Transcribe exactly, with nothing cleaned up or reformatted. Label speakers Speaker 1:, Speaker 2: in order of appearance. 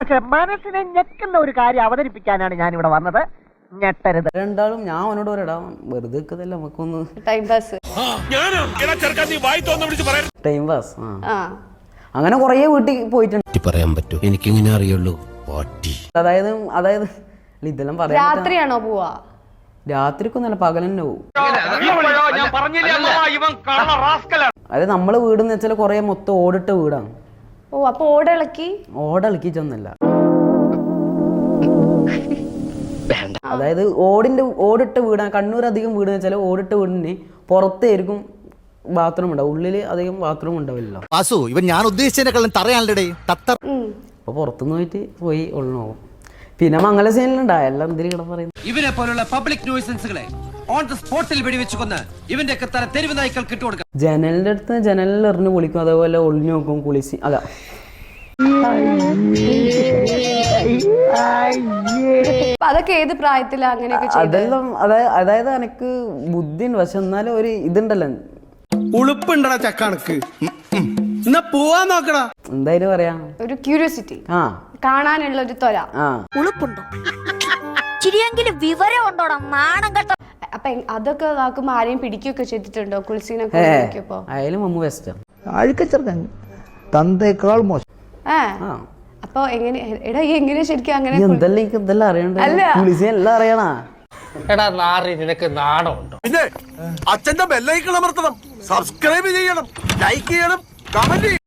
Speaker 1: പക്ഷെ മനസ്സിനെ ഞെക്കുന്ന ഒരു കാര്യം അവതരിപ്പിക്കാനാണ് ഞാൻ ഇവിടെ വന്നത്. ഞെട്ടരുത്.
Speaker 2: രണ്ടാളും ഞാൻ അവനോട് പറയടാ വെറുതെ നിൽക്കതല്ല നമുക്കൊന്ന്
Speaker 3: ടൈം പാസ്.
Speaker 2: Time pass. ആ അങ്ങനെ കുറേ വീട്ടിൽ പോയിട്ടുണ്ട്.
Speaker 4: പറയാൻ പറ്റൂ, എനിക്കിങ്ങനെ അറിയുള്ളൂ.
Speaker 2: അതായത് അതായത് ഇതെല്ലാം പറയാം.
Speaker 3: രാത്രിയാണോ പോവാ?
Speaker 2: രാത്രിക്കൊന്നല്ല, പകൽ തന്നെ പോവും. അതായത് നമ്മളെ വീടെന്ന് വെച്ചാൽ കുറെ മൊത്തം ഓടിട്ട വീടാണ്.
Speaker 3: ഓ, അപ്പൊ ഓടിളക്കി
Speaker 2: ഓടിളക്കി ചെന്നല്ല, അതായത് ഓടിന്റെ ഓടിട്ട വീടാണ്. കണ്ണൂർ അധികം വീട് വെച്ചാൽ ഓടിട്ട വീടിന് പുറത്തായിരിക്കും ബാത്റൂം ഉണ്ടാവും, ഉള്ളില് അധികം ബാത്റൂം ഉണ്ടാവില്ലല്ലോ.
Speaker 4: ഇവൻ ഞാൻ ഉദ്ദേശിച്ചതിനെക്കാളും തറയാണല്ലേ.
Speaker 2: അപ്പൊ പുറത്തുനിന്ന് പോയിട്ട് പോയി ഉള്ളു. പിന്നെ മംഗല സീനിലുണ്ടായ എല്ലാം എന്തിനാ പറയുന്നത്.
Speaker 5: ഇവനെ പോലുള്ള പബ്ലിക് ന്യൂസൻസുകളെ ഓൺ ദ സ്പോട്ടിൽ വെടിവെച്ച് കൊന്ന് ഇവന്റെ ഒക്കെ തല തെരുവ് നായ്ക്കൾ കിട്ടുകൊടുക്കാം.
Speaker 2: ജനലിന്റെ അടുത്ത് ജനലിൽ എറിഞ്ഞ് കുളിക്കും, അതേപോലെ ഒളിഞ്ഞു നോക്കും, കുളിച്ച്. അതാ
Speaker 3: അതൊക്കെ ഏത് പ്രായത്തിലാ അങ്ങനെയൊക്കെ?
Speaker 2: അതെല്ലാം അതായത് അതായത് എനിക്ക് ബുദ്ധിയുണ്ട്, പക്ഷെ എന്നാലും ഒരു ഇതുണ്ടല്ലോ,
Speaker 6: ഉളുപ്പുണ്ടടാ ചക്കണക്ക്. എന്നാ പോവാൻ നോക്കടാ.
Speaker 2: എന്തായാലും പറയാ,
Speaker 3: ഒരു ക്യൂരിയോസിറ്റി,
Speaker 2: ആ
Speaker 3: കാണാനുള്ള ഒരു ത്വര.
Speaker 2: ആ
Speaker 7: ഉളുപ്പുണ്ടോ, ചിരിയെങ്കിലും വിവരം ഉണ്ടോടാ, നാണം കേട്ടോ.
Speaker 3: അപ്പൊ അതൊക്കെ ആക്കുമ്പോ ആരെയും പിടിക്കുകയൊക്കെ ചെയ്തിട്ടുണ്ടോ? കുളിസീനൊക്കെ നോക്കിയപ്പോ
Speaker 2: ആയാലും മമ്മു ബെസ്റ്റാ.
Speaker 1: അഴുക്കച്ചെറുക്കൻ തന്തേക്കാൾ മോശം.
Speaker 3: ഏ അപ്പൊ എങ്ങനെ എടാ എങ്ങനെ ശരിക്കും അങ്ങനെ?
Speaker 2: എന്തെല്ലാം എനിക്ക് എന്തെല്ലാം അറിയണ്ട, കുളിസി എല്ലാം അറിയണ.
Speaker 8: എടാ നാറി, നിനക്ക് നാണമുണ്ടോ?
Speaker 6: പിന്നെ അച്ഛന്റെ ബെല്ലൈക്കൺ അമർത്തണം, സബ്സ്ക്രൈബ് ചെയ്യണം, ലൈക്ക് ചെയ്യണം, കമന്റ്